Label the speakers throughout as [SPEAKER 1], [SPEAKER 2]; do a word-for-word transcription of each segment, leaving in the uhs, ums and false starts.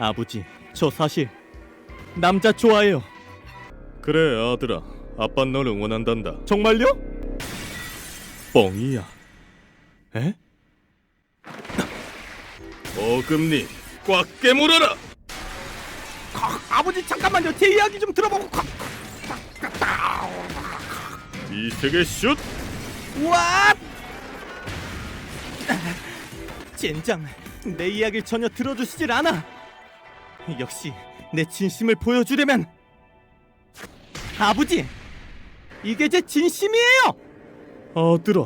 [SPEAKER 1] 아버지, 저 사실 남자 좋아해요.
[SPEAKER 2] 그래 아들아, 아빠 널 응원한단다.
[SPEAKER 1] 정말요?
[SPEAKER 2] 뻥이야. 에? 어금니 꽉 깨물어라.
[SPEAKER 1] 아버지 잠깐만요. 제 이야기 좀 들어보고.
[SPEAKER 2] 이세계 슛.
[SPEAKER 1] 와! 젠장, 내 이야기를 전혀 들어주시질 않아. 역시 내 진심을 보여주려면 아버지, 이게 제 진심이에요.
[SPEAKER 2] 아들아,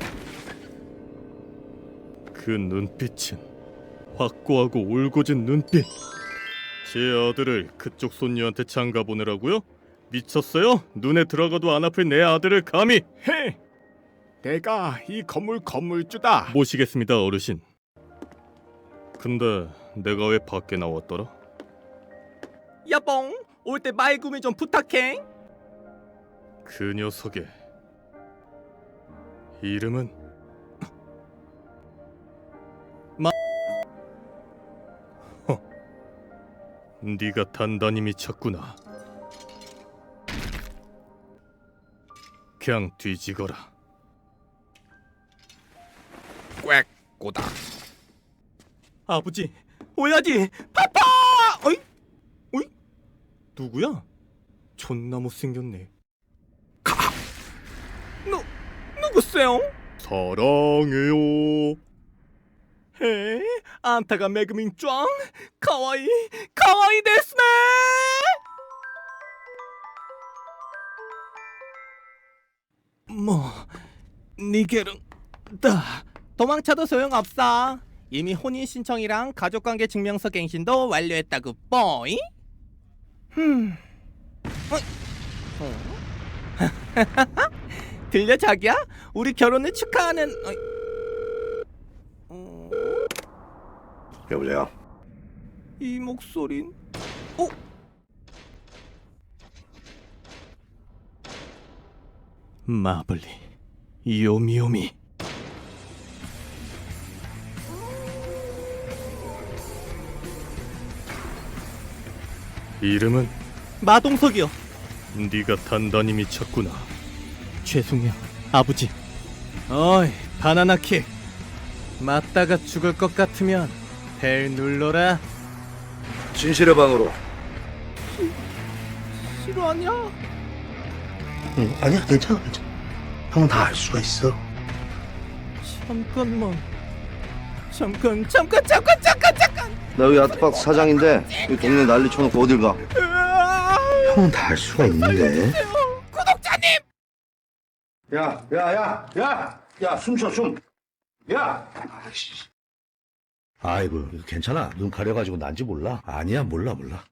[SPEAKER 2] 그 눈빛은 확고하고 울고진 눈빛. 제 아들을 그쪽 손녀한테 장가 보내라고요? 미쳤어요? 눈에 들어가도 안 아플 내 아들을 감히.
[SPEAKER 3] 헤, 내가 이 건물 건물주다.
[SPEAKER 2] 모시겠습니다 어르신. 근데 내가 왜 밖에 나왔더라?
[SPEAKER 1] 여봉, 올 때 말구미 좀 부탁해.
[SPEAKER 2] 그 녀석의 이름은
[SPEAKER 1] 마-
[SPEAKER 2] 허, 네가 단단히 미쳤구나. 그냥 뒤지거라.
[SPEAKER 3] 꽥 꼬다.
[SPEAKER 1] 아버지, 오야지, 파파! 어이? 어이? 누구야? 존나 못생겼네. 누, 누구세요?
[SPEAKER 2] 사랑해요.
[SPEAKER 1] 헤, 안타가 매그민 짱? 카와이, 카와이 데스네! 뭐, 니게르, 다 도망쳐도 소용없어. 이미 혼인 신청이랑 가족관계 증명서 갱신도 완료했다고 뽀이? 흠, 어이? 어? 들려 자기야? 우리 결혼을 축하하는. 어이. 어?
[SPEAKER 4] 여보세요?
[SPEAKER 1] 이 목소린. 어? 마블리, 요미요미.
[SPEAKER 2] 이름은
[SPEAKER 1] 마동석이요.
[SPEAKER 2] 네가 단단히 미쳤구나.
[SPEAKER 1] 죄송해요, 아버지. 어이, 바나나킥. 맞다가 죽을 것 같으면 벨 눌러라.
[SPEAKER 4] 진실의 방으로.
[SPEAKER 1] 싫어하냐?
[SPEAKER 4] 응, 아니야, 괜찮아, 괜찮아. 형은 다 알 수가 있어.
[SPEAKER 1] 잠깐만. 잠깐, 잠깐, 잠깐, 잠깐, 잠깐.
[SPEAKER 4] 나 여기 아트박스 사장인데 이 동네 난리 쳐놓고 어딜 가?
[SPEAKER 1] 으아,
[SPEAKER 4] 형은 다 알 수가 있는데.
[SPEAKER 1] 구독자님.
[SPEAKER 4] 야, 야, 야, 야, 야, 숨쉬어, 숨. 야. 아이씨. 아이고, 괜찮아. 눈 가려가지고 난지 몰라. 아니야, 몰라, 몰라.